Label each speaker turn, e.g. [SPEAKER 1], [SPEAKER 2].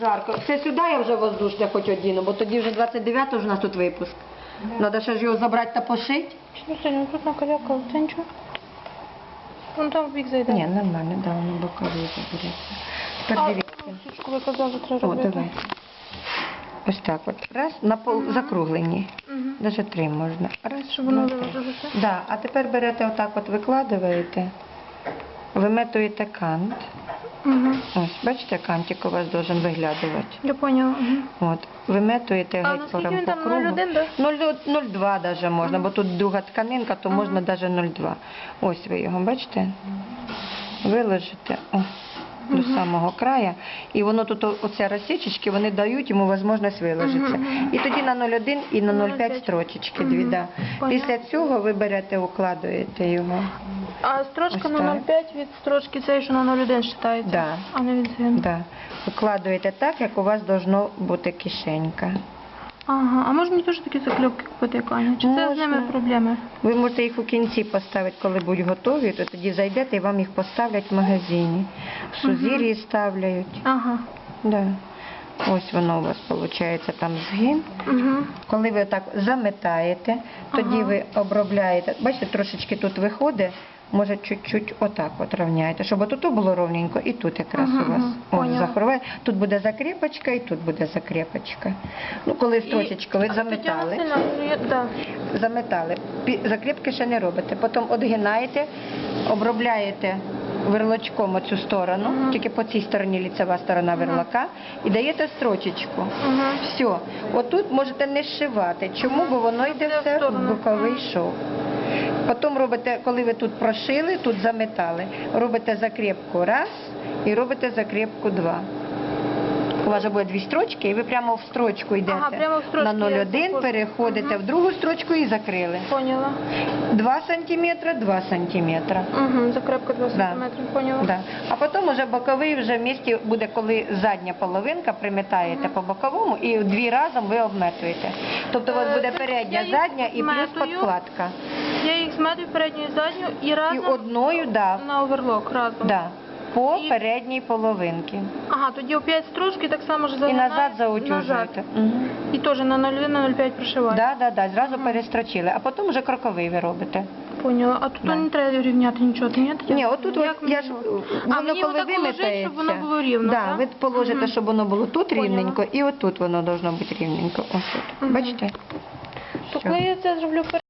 [SPEAKER 1] Жарко. Це сюди я вже воздушне хоч одіну, бо тоді вже 29-го ж у нас тут випуск. Треба ще ж його забрати та пошити.
[SPEAKER 2] Что сегодня тут накалякал? Ты ничего? Вон там в бік зайде.
[SPEAKER 1] Ні, нормально, да, воно боковий забереться. Тепер дивіться.
[SPEAKER 2] Сучку ви казали, треба
[SPEAKER 1] О,
[SPEAKER 2] робити.
[SPEAKER 1] давай. Ось так от. Раз, на пол закруглені.
[SPEAKER 2] Мгм.
[SPEAKER 1] Навіть 3 можна. Раз,
[SPEAKER 2] Щоб воно
[SPEAKER 1] два, три.
[SPEAKER 2] виложилося.
[SPEAKER 1] Да, а тепер берете отак от, викладуєте, виметуєте кант.
[SPEAKER 2] Угу.
[SPEAKER 1] Ось, бачите, кантик у вас должен виглядувати.
[SPEAKER 2] Я поняла. Угу.
[SPEAKER 1] От, виметуєте
[SPEAKER 2] А
[SPEAKER 1] геть
[SPEAKER 2] наскільки
[SPEAKER 1] по
[SPEAKER 2] він там,
[SPEAKER 1] кругу.
[SPEAKER 2] 0,1, да?
[SPEAKER 1] 0,2 даже можна, бо тут друга тканинка, то можна даже 0,2. Ось ви його, бачите? Виложите до самого краю, і воно тут, оця розсічечки, вони дають йому можливість виложитися. І тоді на 0,1 і на 0,5 строчечки дві, да. Після цього ви берете, укладуєте його.
[SPEAKER 2] А строчка
[SPEAKER 1] Ось
[SPEAKER 2] на
[SPEAKER 1] так.
[SPEAKER 2] 0,5 від строчки цієї, що на 0,1 вважається?
[SPEAKER 1] Да.
[SPEAKER 2] А не від згину?
[SPEAKER 1] Да. Викладуєте так, як у вас должно бути кишенька.
[SPEAKER 2] Ага, а може мені теж такі закльопки купити, як Аня? Чи це з
[SPEAKER 1] Можна.
[SPEAKER 2] ними проблеми?
[SPEAKER 1] Ви можете їх у кінці поставити, коли будуть готові, то тоді зайдете і вам їх поставлять в магазині. В Сузір'ї ставляють.
[SPEAKER 2] Ага.
[SPEAKER 1] Да. Ось воно у вас виходить там згин.
[SPEAKER 2] Угу.
[SPEAKER 1] Коли ви так заметаєте, тоді
[SPEAKER 2] Ага.
[SPEAKER 1] ви обробляєте. Бачите, трошечки тут виходить, може чуть-чуть отак от рівняєте, щоб тут було ровненько і тут якраз
[SPEAKER 2] Ага,
[SPEAKER 1] у вас
[SPEAKER 2] поняла.
[SPEAKER 1] захороває. Тут буде закріпочка і тут буде закріпочка. Ну, коли строчечку ви заметали.
[SPEAKER 2] Да.
[SPEAKER 1] Заметали. Закріпки ще не робите. Потім одгинаєте, обробляєте верлочком оцю сторону, тільки по цій стороні ліцева сторона верлака, і даєте строчечку.
[SPEAKER 2] Ага.
[SPEAKER 1] Все. Отут можете не зшивати. Чому? Бо воно йде
[SPEAKER 2] Йде в
[SPEAKER 1] все в
[SPEAKER 2] сторону.
[SPEAKER 1] боковий шов. Потім робите, коли ви тут прошили, тут заметали, робите закріпку раз і робите закріпку два. У вас же буде дві строчки, і ви прямо в строчку йдете.
[SPEAKER 2] Ага, прямо в строчку
[SPEAKER 1] на
[SPEAKER 2] я
[SPEAKER 1] 0,1
[SPEAKER 2] заходжу.
[SPEAKER 1] переходите в другу строчку і закрили.
[SPEAKER 2] Поняла.
[SPEAKER 1] 2 сантиметра, 2 сантиметра.
[SPEAKER 2] Угу. Закрепка 2
[SPEAKER 1] Да.
[SPEAKER 2] см, поняла.
[SPEAKER 1] Да. А потім уже боковий вже в місті буде, коли задня половинка приметаєте по боковому і дві разом ви обметуєте. Тобто у вас буде
[SPEAKER 2] Це
[SPEAKER 1] передня,
[SPEAKER 2] я їх
[SPEAKER 1] задня і плюс
[SPEAKER 2] зметую.
[SPEAKER 1] подкладка.
[SPEAKER 2] Я їх зметую передню і задню і разом
[SPEAKER 1] І одною, да,
[SPEAKER 2] на оверлок разом.
[SPEAKER 1] да, по
[SPEAKER 2] І-
[SPEAKER 1] передній половинці.
[SPEAKER 2] Ага, тоді опять строчки так само ж
[SPEAKER 1] І
[SPEAKER 2] загинають.
[SPEAKER 1] назад заутюжуєте. Мгм.
[SPEAKER 2] І теж на 0,1, на 0,5 прошивають.
[SPEAKER 1] Да, зразу перестрочили, а потім вже кроковий ви робите.
[SPEAKER 2] Поняла. А тут
[SPEAKER 1] Да.
[SPEAKER 2] не треба рівняти нічого, ні?
[SPEAKER 1] Ні, отут
[SPEAKER 2] Як
[SPEAKER 1] от, я ж,
[SPEAKER 2] мені?
[SPEAKER 1] воно
[SPEAKER 2] мені
[SPEAKER 1] коли
[SPEAKER 2] отак положити,
[SPEAKER 1] вимітається,
[SPEAKER 2] щоб воно було рівно,
[SPEAKER 1] да,
[SPEAKER 2] так?
[SPEAKER 1] ви положите, щоб воно було тут
[SPEAKER 2] Поняла.
[SPEAKER 1] рівненько, і отут воно должно бути рівненько. Ось тут.
[SPEAKER 2] Мгм.
[SPEAKER 1] Бачите?
[SPEAKER 2] То
[SPEAKER 1] Все.
[SPEAKER 2] коли я це зроблю